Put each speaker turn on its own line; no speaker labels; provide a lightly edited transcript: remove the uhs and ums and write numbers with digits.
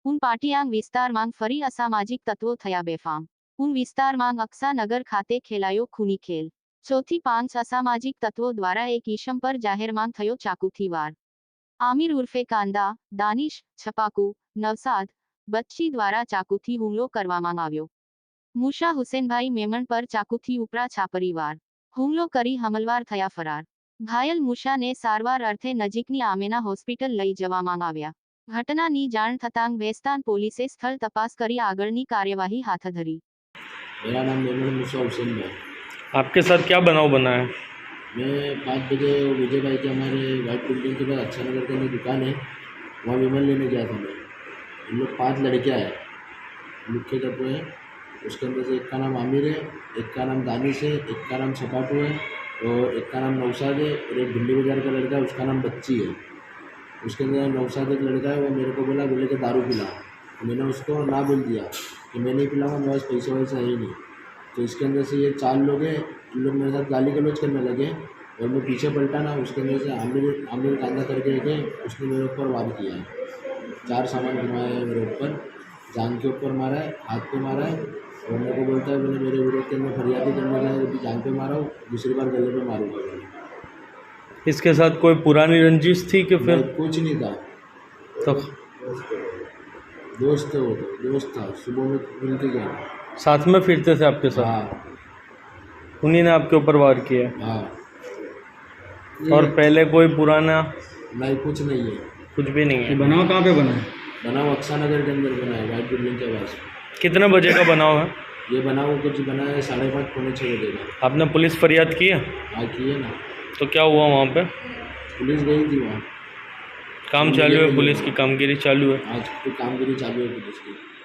ઊન પાટિયાંગ વિસ્તારમાં ફરી અસામાજિક તત્વો થયા બેફામ। ઊન વિસ્તારમાં અક્સાનગર ખાતે ખેલાયો ખૂની ખેલ। 4 થી 5 અસામાજિક તત્વો દ્વારા એક ઈશમ પર જાહેરમાં થયો ચાકુથી વાર। આમિર ઉર્ફે કાંદા, દાનિશ, છપાકુ, નવસાદ, બચ્ચી દ્વારા ચાકુથી હુમલો કરવામાં આવ્યો। મૂસા હુસેનભાઈ મેમણ પર ચાકુથી ઉપરા છાપરી વાર હુમલો કરી હમલવાર થયા ફરાર। ઘાયલ મૂસાને સારવાર અર્થે નજીકની આમેના હોસ્પિટલ લઈ જવામાં આવ્યા। ઘટનાની જાણ થતાં ભેસ્તાન પોલીસે સ્થળ તપાસ કરી આગળની કાર્યવાહી હાથ ધરી।
मेरा नाम मेमन मूसा हुसैन है।
आपके साथ क्या बनाव बना है?
मैं 5 बजे विजय भाई के हमारे वाइट बिल्डिंग के पास अच्छा नगर के अंदर दुकान है, वहाँ विमल लेने गया था मैं। इन लोग 5 लड़कियाँ हैं, मुख्य तत्व है। उसके अंदर से एक का नाम आमिर है, एक का नाम दानिश है, एक का नाम छपाटू है और एक का नाम नौसाद है और एक भिंडी बाजार का लड़का है उसका नाम बच्ची है। उसके अंदर नौसाद एक लड़का है, वो मेरे को बोले कि दारू पिला। तो मैंने उसको ना बोल दिया कि मैं नहीं पिलाऊंगा, मेरे पास पैसे वैसा है ही नहीं। तो इसके अंदर से ये 4 लोग हैं, इन लोग मेरे साथ गाली गलौज करने लगे और मैं पीछे पलटा ना, उसके अंदर से आमिर कांदा करके एक है, उसने मेरे ऊपर वार किया है। 4 सामान घुमाया है मेरे ऊपर, जान के ऊपर मारा है, हाथ पे मारा है और मेरे को बोलता है मैंने मेरे विरोध के अंदर फरियादी करने गया है, जान पे मारा हूँ, दूसरी बार गले पे मारूंगा मैंने।
इसके साथ कोई पुरानी रंजिश थी कि फिर?
कुछ नहीं था,
तो
दोस्त है, वो तो दोस्त था, सुबह में मिलते गया।
साथ में फिरते थे आपके साथ?
हाँ
उन्हीं ने आपके ऊपर वार किया?
हाँ।
और पहले कोई पुराना?
नहीं, कुछ नहीं है,
कुछ भी नहीं है।
बनाव कहाँ पे बना है?
बनाव अक्सानगर के अंदर बना है, वाइट बिल्डिंग के पास।
कितने बजे का बनाव है?
ये बनाव कुछ बना है 5:30 पौने 6 बजे का।
आपने पुलिस फरियाद की है?
हाँ की है ना।
तो क्या हुआ वहाँ पे?
पुलिस गई थी वहाँ,
काम चालू है, पुलिस की कामगिरी चालू है।
आज तो कामगिरी चालू है पुलिस की।